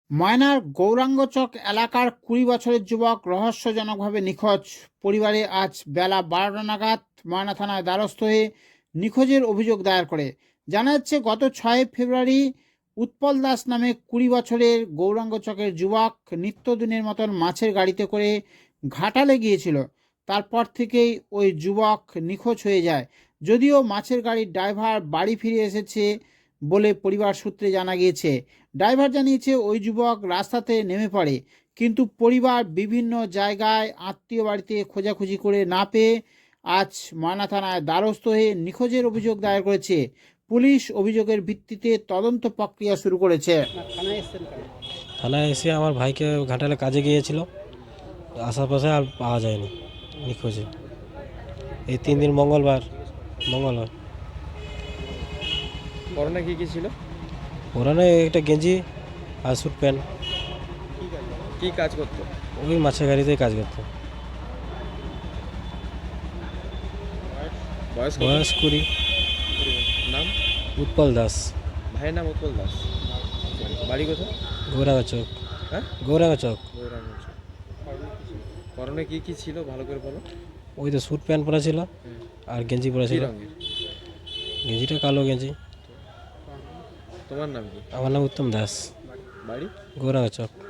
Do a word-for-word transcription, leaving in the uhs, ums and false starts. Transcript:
ময়নার গৌরাঙ্গচক এলাকার কুড়ি বছরের যুবক রহস্যজনকভাবে নিখোঁজ। পরিবারে আজ বেলা বারোটা নাগাদ ময়না থানায় দ্বারস্থ হয়ে নিখোঁজের অভিযোগ দায়ের করে। জানা যাচ্ছে, গত ছয় ফেব্রুয়ারি উৎপল দাস নামে কুড়ি বছরের গৌরাঙ্গচকের যুবক নিত্যদিনের মতন মাছের গাড়িতে করে ঘাটালে গিয়েছিল। তারপর থেকেই ওই যুবক নিখোঁজ হয়ে যায়। যদিও মাছের গাড়ির ড্রাইভার বাড়ি ফিরে এসেছে বলে পরিবার সূত্রে জানা গিয়েছে। ড্রাইভার জানিয়েছে, ওই যুবক রাস্তাতে নেমে পড়ে, কিন্তু পরিবার বিভিন্ন জায়গায় আত্মীয় বাড়িতে খোঁজাখুঁজি করে না পেয়ে আজ ময়না থানায় দ্বারস্থ হয়ে নিখোঁজের অভিযোগ দায়ের করেছে। পুলিশ অভিযোগের ভিত্তিতে তদন্ত প্রক্রিয়া শুরু করেছে। থানায় এসে আমার ভাইকে ঘাটালে কাজে গিয়েছিল, আশেপাশে আর পাওয়া যায়নি, নিখোঁজে। এই তিন দিন মঙ্গলবার মঙ্গলবার করোনা কি কি ছিল? ওরানে একটা গেঞ্জি আর স্যুট প্যান্ট, কি কাজ করতো? ওই মাছের গাড়িতেই কাজ করতো। বয়স কত? বয়স কুড়ি। নাম? উৎপল দাস। ভাইয়ের নাম উৎপল দাস। বাড়ি কোথায়? গৌরাঙ্গ চক। হ্যাঁ, গৌরাঙ্গ চক। গৌরাঙ্গঞ্জ। করোনা কি কি ছিল ভালো করে বলো। ওই তো স্যুট প্যান্ট পরা ছিল আর গেঞ্জি পরা কি ছিল। রঙের? গেঞ্জিটা কালো গেঞ্জি। তোমার নাম কি? আমার নাম উত্তম দাস। বাড়ি? গৌরাঙ্গ চক।